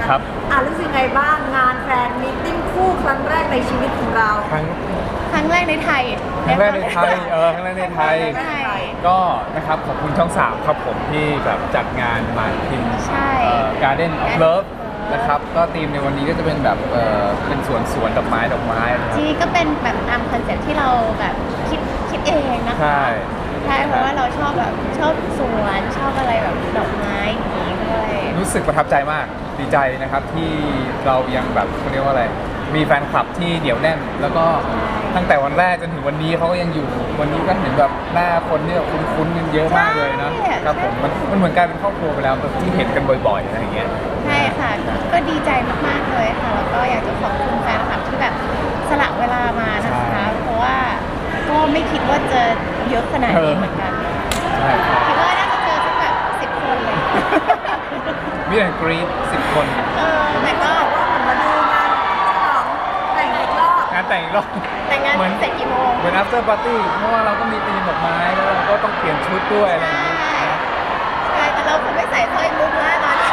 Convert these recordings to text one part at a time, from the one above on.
ครับรู้สึกไงบ้างงานแฟนมีตติ้งคู่ครั้งแรกในชีวิตของเราครั้งแรกในไทยครั้งแรกในไทยครั้งแรกในไทยก็นะครับขอบคุณช่อง 3ครับผมที่แบบจัดงานมาพินGarden of Love นะครับก็ธีมในวันนี้ก็จะเป็นแบบเป็นสวนดอกไม้ที่ก็เป็นแบบตามคอนเซ็ปต์ที่เราแบบคิดเองนะคะใช่เพราะว่าเราชอบแบบชอบสวนชอบอะไรแบบดอกไม้อย่างนี้ด้วยรู้สึกประทับใจมากดีใจนะครับที่เรายังแบบเขาเรียกว่าอะไรมีแฟนคลับที่เหนียวแน่นแล้วก็ตั้งแต่วันแรกจนถึงวันนี้เขาก็ยังอยู่วันนี้ก็เห็นแบบหน้าคนที่แบบคุ้นๆกันเยอะมากเลยนะครับผมมันเหมือนกลายเป็นครอบครัวไปแล้วแบบที่เห็นกันบ่อยๆอะไรอย่างเงี้ยใช่ค่ะก็ดีใจมากๆเลยค่ะแล้วก็อยากจะขอบคุณแฟนคลับที่แบบสละเวลามานะคะเพราะว่าก็ไม่คิดว่าจะเยอะขนาดนี้เหมือนกันคิดว่าน่าจะเจอสักแบบ10 คนเลยมีแต่กรี๊ด10 คนแต่ก็มาดูงานแต่งอีกรอบงานแต่งอีกรอบแต่งงานเสร็จกี่โมงเหมือน after party เพราะว่าเราก็มีธีมดอกไม้แล้วเราก็ต้องเปลี่ยนชุดด้วยอะไรอย่างนี้ใช่แต่เราคงไม่ใส่สร้อยมุกนะตอนนี้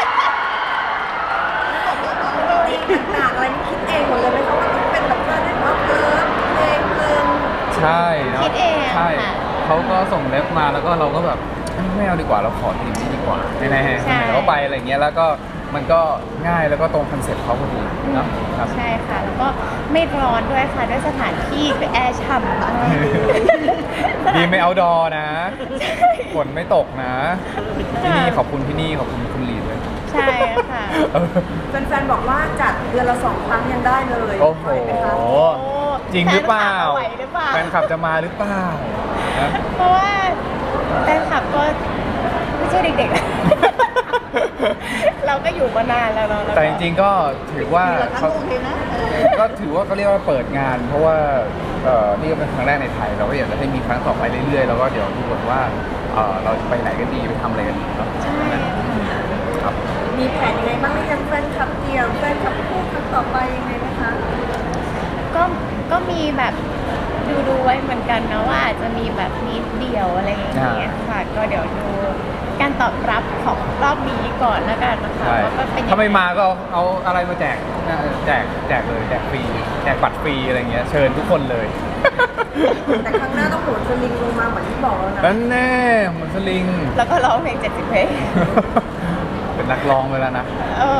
ต่างๆอะไรนี่คิดเองหมดเลยไหมคะว่าต้องเป็นแบบว่าได้ว่าเพลงใช่เนาะคิดเองใช่เขาก็ส่งเล็บมาแล้วก็เราก็แบบไม่เอาดีกว่าเราขอทีมนี้ดีกว่าแน่ๆเราไปอะไรเงี้ยแล้วก็มันก็ง่ายแล้วก็ตรงคอนเซ็ปต์เขาพอดีเนาะครับใช่ค่ะแล้วก็ไม่ร้อนด้วยค่ะด้วยสถานที่คือแอร์ฉ่ำมากดีไม่เอาดอนะฝนไม่ตกนะที่นี่ขอบคุณที่นี่ขอบคุณคุณลีดเลยใช่ค่ะแฟนๆบอกว่าจัดเดือนละ2 ครั้งยังได้เลยโอ้โหจริงหรือเปล่าแฟนคลับจะมาหรือเปล่าเพราะว่าแฟนคลับก็ไม่ใช่เด็กๆเราก็อยู่มานานแล้วเนาะแต่จริงๆก็ถือว่าเขาก็ถือว่าเขาเรียกว่าเปิดงาน เพราะว่านี่ก็เป็นครั้งแรกในไทยเราก็อยากจะให้มีครั้งต่อไปเรื่อยๆแล้วก็เดี๋ยวดูกันว่าเราจะไปไหนกันดีไปทำอะไรกันดีเนาะครับมีแผนยังไงบ้างหรือยังแฟนคลับเดี่ยวแฟนคลับคู่ครั้งต่อไปยังไงนะคะก็มีแบบดูไว้เหมือนกันนะว่าอาจจะมีแบบมีเดี่ยวอะไรอย่างเงี้ยค่ะก็เดี๋ยวดูการตอบรับของรอบนี้ก่อนแล้วกันนะคะว่าเป็นยังไงถ้าไม่มาก็เอาอะไรมาแจกเลยแจกฟรีแจกบัตรฟรีอะไรเงี้ยเชิญทุกคนเลยแต่ครั้งหน้าต้องโหนสลิงลงมาเหมือนที่บอกแล้วนะนั่นแน่โหนสลิงแล้วก็ร้องเพลง70 เพลงเป็นนักร้องไปแล้วนะ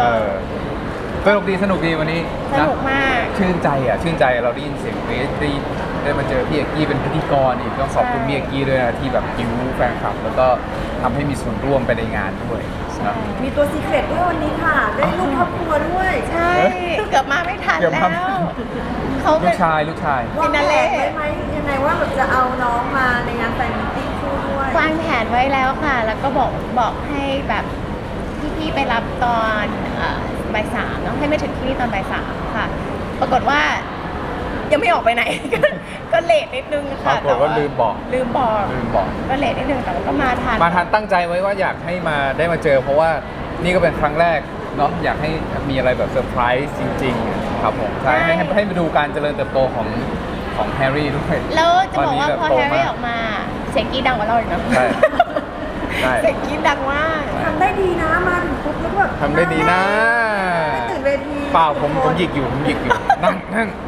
สนุกดีวันนี้สนุกมากชื่นใจเราได้ยินเสียงเกรซได้มาเจอพี่เอกกี้เป็นพิธีกรอีกต้องขอบคุณพี่เอกกี้ด้วยนะที่แบบยิ้วแฟนคลับแล้วก็ทำให้มีส่วนร่วมไปในงานด้วยนะมีตัวซีเครตด้วยวันนี้ค่ะได้ลูกครอบครัวด้วยใช่เกือบมาไม่ทันแล้วเขาลูกชายวางแผนไว้ไหมยังไงว่าแบบจะเอาน้องมาในงานแฟนมิตติ้งคู่ด้วยวางแผนไว้แล้วค่ะแล้วก็บอกให้แบบพี่ไปรับตอนบ่าย 3ต้องให้ไม่ถึงที่นี่ตอนบ่าย 3ค่ะปรากฏว่ายังไม่ออกไปไหนก็เลทนิดนึงค่ะแต่ว่าลืมบอกก็เลทนิดนึงแต่ว่าก็มาทันตั้งใจไว้ว่าอยากให้มาได้มาเจอเพราะว่านี่ก็เป็นครั้งแรกเนาะอยากให้มีอะไรแบบเซอร์ไพรส์จริงๆครับผมใช่ให้มาดูการเจริญเติบโตของแฮร์รี่ด้วยแล้วจะบอกว่าพอแฮร์รี่ออกมาเสียงกี้ดังกว่าเราอีกนะเสียงกี้ดังมากทำได้ดีนะมาถึงปุ๊บแล้วแบบทำได้ดีนะไม่ตื่นเวทีเปล่าผมหยิกอยู่นั่ง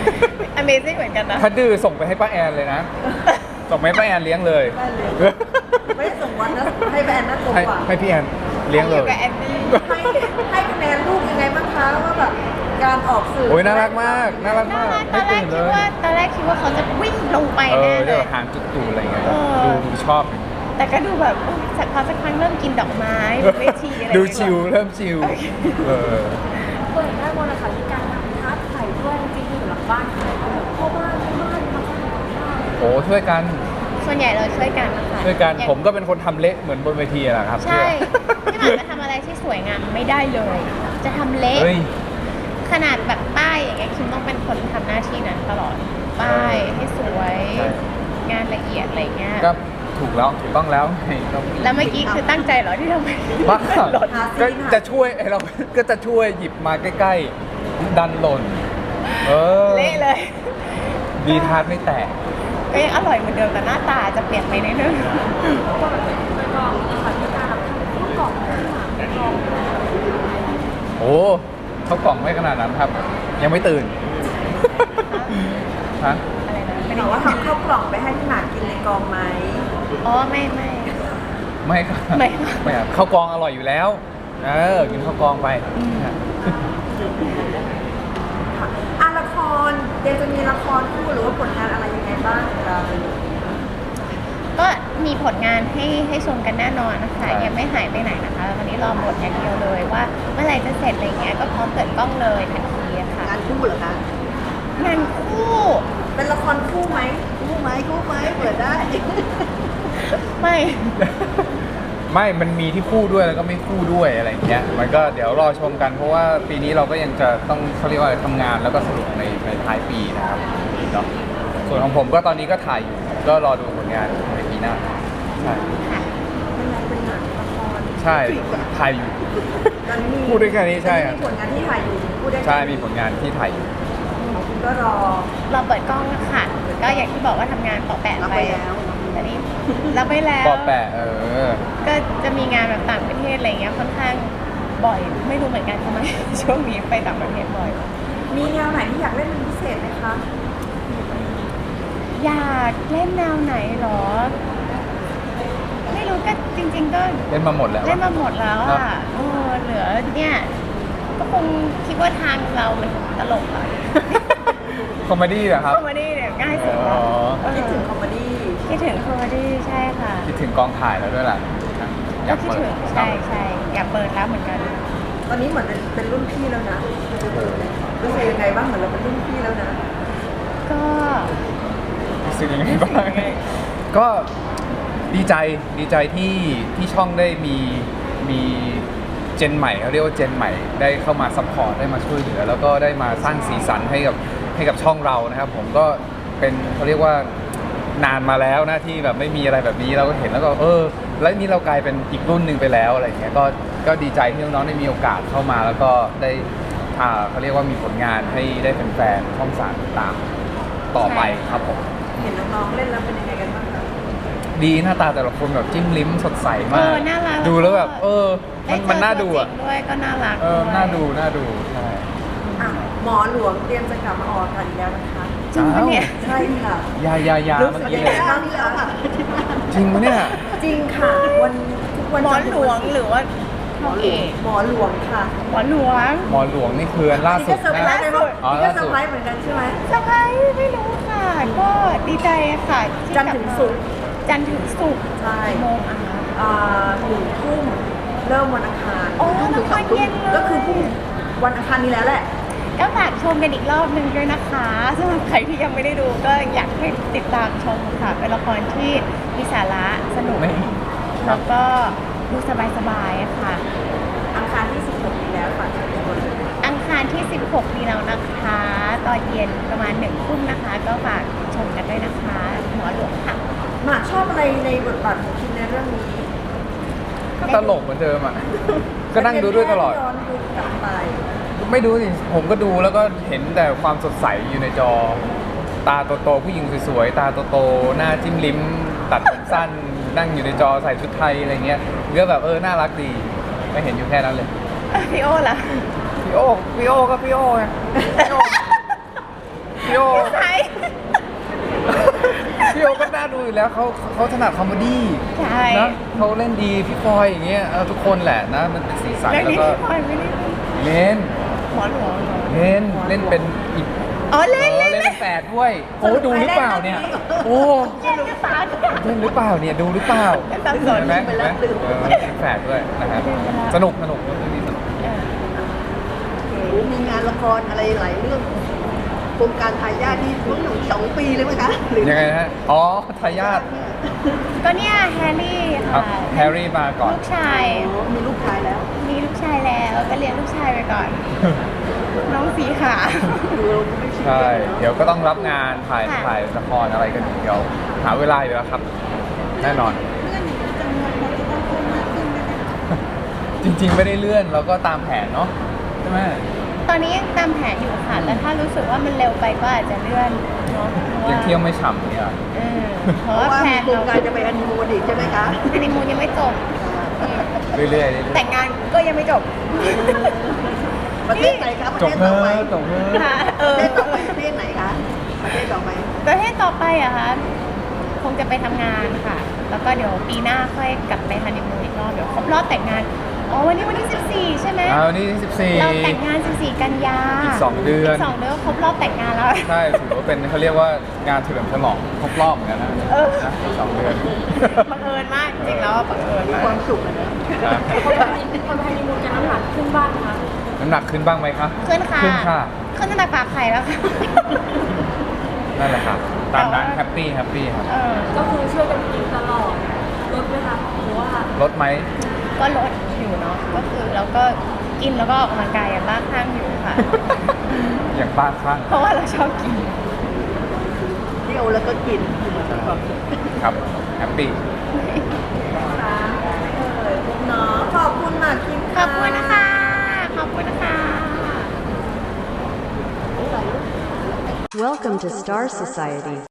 Amazing เหมือนกันนะถ้าดื้อส่งไปให้ป้าแอนเลยนะส่งไปให้ป้าแอนเลี้ยงเลยไม่ได้ส่งวันนะให้ป้าแอนนะส่งกว่าให้พี่แอนเลี้ยงเลยให้คะแนนลูกยังไงบ้างคะว่าแบบการออกสื่อโอ้ยน่ารักมากตอนแรกคิดว่าเขาจะวิ่งลงไปแน่เลยหางจุดตูอะไรเงี้ยดูชอบแต่ก็ดูแบบสักครั้งเริ่มกินดอกไม้เวทีอะไรดูชิลเริ่มชิลเปิดได้บนนะคะที่การทำทัดไข่ด้วยจริงๆอยู่หลังบ้านพ่อบ้านโอ้ช่วยกันส่วนใหญ่เราช่วยกันนะคะช่วยกันผมก็เป็นคนทำเละเหมือนบนเวทีแหละครับใช่ไม่หมายจะทำอะไรที่สวยงามไม่ได้เลยจะทำเละขนาดแบบป้ายอย่างเงี้ยคิมต้องเป็นคนทำหน้าที่นั้นตลอดป้ายให้สวยงานละเอียดอะไรเงี้ยก็ถูกต้องแล้วแล้วเมื่อกี้คือตั้งใจเหรอที่ทำไมบ้าก็จะช่วยเราก็จะช่วยหยิบมาใกล้ๆดันหล่นเละเลยดีทาร์ตไม่แตกก็ยังอร่อยเหมือนเดิมแต่หน้าตาจะเปลี่ยนไปนิดนึงกล่องนะคะที่การรับทำกล่องโอ้เข้ากล่องไม่ขนาดนั้นครับ ยังไม่ตื่น ฮะอะไรนะถามว่าทำข้าวกล่องไปให้พี่หมากกินในกองไหมอ๋อไม่ไม่ครับไม่ค่ะไม่ครับข้าวกองอร่อยอยู่แล้วกินข้าวกองไปค่ะละครเดี๋ยวจะมีละครคู่หรือว่าผลงานอะไรยังไงบ้างคะก็มีผลงานให้ชมกันแน่นอนนะคะใช่ยังไม่หายไปไหนนะคะตอนนี้รอบทอย่างเดียวเลยว่าเมื่อไหร่จะเสร็จอะไรเงี้ยก็พร้อมเปิดกล้องเลยทันทีอะค่ะงานคู่เหรอคะงานคู่เป็นละครคู่ไหมคู่ไหมเปิดได้ไม่ไม่มันมีที่คู่ด้วยแล้วก็ไม่คู่ด้วยอะไรอย่างเงี้ยมันก็เดี๋ยวรอชมกันเพราะว่าปีนี้เราก็ยังจะต้องเขาเรียกว่าอะไรทำงานแล้วก็สนุกในท้ายปีนะครับเนาะส่วนของผมก็ตอนนี้ก็ถ่ายอยู่ก็รอดูผลงานในปีหน้าใช่ค่ะเป็นหนังละครใช่ถ่ายอยู่ตอนนี้มีพูดได้แค่นี้ใช่ครับมีผลงานที่ถ่ายอยู่พูดได้แค่ใช่มีผลงานที่ถ่ายอยู่ของคุณก็รอเราเปิดกล้องค่ะก็อย่างที่บอกว่าทำงานต่อแปะรับไปไปแล้วตอนนี้รับไปแล้วปอแปะก็จะมีงานแบบต่างประเทศอะไรเงี้ยค่อนข้างบ่อย ไม่รู้เหมือนกันทำไม ช่วงนี้ไปต่างประเทศบ่อยมีแนวไหนที่อยากเล่นเป็นพิเศษไหมคะอยากเล่นแนวไหนหรอ ไม่รู้ก็จริง ๆ ก็เล่นมาหมดแล้วเล่นมาหมดแล้วเนอะอ่ะเหลือเนี่ยก็คงคิดว่าทางเรามันตลกอ่ะคอมเมดี้เหรอครับคอมเมดี้เนี่ยง่ายสุดอ๋แล้วอคิดถึงคอมเมดี้คิดถึงคอมเมดี้ใช่ค่ะคิดถึงกองถ่ายแล้วด้วยล่ะอยาก็กคิดเปิดถึงใช่อยากเปิดแล้วเหมือนกันตอนนี้เหมือนเป็นรุ่นพี่แล้วนะรู้สึกยังไงบ้างเหมือนเราเป็นรุ่นพี่แล้วนะก็รู้สึกยังไงบ้างก็ดีใจที่ช่องได้มีเจนใหม่เขาเรียกว่าเจนใหม่ได้เข้ามาซัพพอร์ตได้มาช่วยเหลือ แล้วก็ได้มาสร้างสีสันให้กับช่องเรานะครับผมก็เป็นเขาเรียกว่านานมาแล้วนะที่แบบไม่มีอะไรแบบนี้เราก็เห็นแล้วก็แล้วนี่เรากลายเป็นอีกรุ่นหนึ่งไปแล้วอะไรเงี้ยก็ดีใจที่น้องๆได้มีโอกาสเข้ามาแล้วก็ได้เขาเรียกว่ามีผลงานให้ได้แฟนๆช่อง3ติดตามต่อไปครับผมเห็นน้องๆเล่นแล้วเป็นยังไงกันบ้างคะดีหน้าตาแต่ละคนแบบจิ้มลิ้มสดใสมากน่ารักดูแล้วแบบได้เจอมันน่าดูอ่ะตัวจริงด้วยก็น่ารักน่าดูใช่อ่ะหมอหลวงเตรียมจะกลับมาออกอากาศอีกแล้วนะคะจริงปะเนี่ยใช่ค่ะยารู้เมื่สึอก กี้ยังเลไงยบ้างคะจริงปะเนี่ยจริงค่ะวันทุกวันหมอจันทร์หลวงหรือว่าหมอพ่อหลเอวงกหมอหลวงค่ะหมอหลวงหมอหลวงนี่คืออันล่านี่สุก็ดเซอร์ไพรนะส์เลยว่าอ๋อนี่ก็ล่าเซอสุดร์ไพรส์เหมือนกันใช่ไหมสบายไม่รู้ค่ะ ก็ดีใจค่ะที่จันทร์ถึงศุกร์จันทร์ถึงศุกร์ใช่กี่โมงอะคะ 1 ทุ่มเริ่มวันอังคารอ๋อละครเย็นเลยก็คือพรุ่งวันอังคารนี้แล้วแหละก็ฝากชมกันอีกรอบหนึ่งด้วยนะคะสำหรับใครที่ยังไม่ได้ดูก็อยากให้ติดตามชมค่ะ เป็นละครที่มีสาระสนุกไม่ครัแล้บวก็ดูสบายๆอะค่ะอังคารที่ 16นี้แล้วฝากเชิญชวนอังคารที่ 16 นี้แล้วนะคะ ตอนเย็นประมาณ1 ทุ่มนะคะ ก็ฝากชมกันด้วยนะคะหมอหลวงค่ะหมากชอบอะไรในบทบาทของคิมในเรื่องนี้ก็ตลกเหมือนเดิมอ่ะ ก็นั่งดูด้วยตลอดย้อนดูกลับไปไม่ดูสิผมก็ดูแล้วก็เห็นแต่ความสดใสอยู่ในจอ ตาโตๆผู้หญิงสวยๆตาโตๆหน้าจิ้มลิ้ม ตัดผมสั้น นั่งอยู่ในจอใส่ชุดไทยอะไรเงี้ยก็แบบน่ารักดีไม่เห็นอยู่แค่นั้นเลยพี่โอล่ะพี่โอก็พี่โอไงพี่โอพี่โอใช่พี่โอก็น่าดูอยู่แล้วเขาถนัดคอมเมดี้ใช่นะเขาเล่นดีพี่ฟอยอย่างเงี้ยทุกคนแหละนะมันเป็นสีสันเรื่องแล้วนี้ก็พี่พลอยไม่ได้เล่นหมอหลวงเหรอเล่นเป็นอีกอ๋อเล่นเล่นเป็นแฝดด้วยโอ้ดูหรือเปล่าเนี่ยโอ้เล่นกระสานเล่นหรือเปล่าเนี่ยดูหรือเปล่าสับสนเห็นไหมเห็นไหมเป็นแฝดด้วยนะครับสนุกเรื่องนี้สนุกมีงานละครอะไรหลายเรื่องโครงการทายาทที่ช่วง2 ปีเลยไหมคะหรือยังไงนะฮะอ๋อทายาทก็เนี่ยแฮร์รี่ครับค่ะแฮร์รี่มาก่อนลูกชายอ๋อมีลูกชายแล้วมีลูกชายแล้วก็เลี้ยงลูกชายไปก่อน น้องสีขาดูเราก็ไม่ชินใช่ เดี๋ยวก็ต้องรับงานถ่ายค่ะถ่ายละครอะไรกันอีกเดี๋ยวหาเวลาอยู่แล้วครับ แน่นอน จริงๆไม่ได้เลื่อนเราก็ตามแผนเนาะใช่ไหมตอนนี้ยังตามแผนอยู่ค่ะแต่ถ้ารู้สึกว่ามันเร็วไปก็อาจจะเลื่อนเนาะเพราะว่ายังเที่ยวไม่ฉ่ำเนี่ยเพราะเพราะว่าว่าแพลมีนโครงเราการจะไปฮันนีมูนอีกใช่ไหมคะฮันนีมูนยังไม่จบเรื่อยๆเรื่อยแต่งงานก็ยังไม่จบประเทศไหนคะประจเทบศเถต่อไปอะจบเถอะค่ะประเทศต่อไปประเทศไหนคะประเทศต่อไปประเทศต่อไปอะคะคงจะไปทำงานค่ะ แล้วก็เดี๋ยวปีหน้าค่อยกลับไปฮันนีมูนอีกรอบเดี๋ยวครบรอบแต่งงานอ๋อวันนี้วันที่14ใช่ไหมวันนี้14 เราแต่งงาน14กันยาอีก2 เดือนอีก2 เดือนครบรอบแต่งงานแล้วใช่ถือว่าเป็นเขาเรียกว่างานเฉลิมฉลองครบรอบเหมือนกันนะเออนะอีก2 เดือนบังเอิญมากจริงๆแล้วอะบังเอิญมีมากความสุขอะนะครับคนไทยมีมูลจะน้ำหนักขึ้นบ้างคะน้ำหนักขึ้นบ้างไหมคะขึ้นค่ะขึ้นค่ะขึ้นตั้งแต่ฝากไข่แล้วค่ะนั่นแหละครับตามนั้นแต่ว่าแฮปปี้ครับเออก็คือช่วยกันกินตลอดลดไหมคะหรือว่าลดไหมก็ลดอยู่เนาะก็คือเราก็กินแล้วก็ออกกำลังกายอย่างบ้าคลั่งอยู่ค่ะอย่างบ้าคลั่งเพราะว่าเราชอบกินเที่ยวแล้วก็กินครับแฮปปี้เนาะขอบคุณมากคิมขอบคุณนะคะ ขอบคุณนะคะ Welcome to Star Society.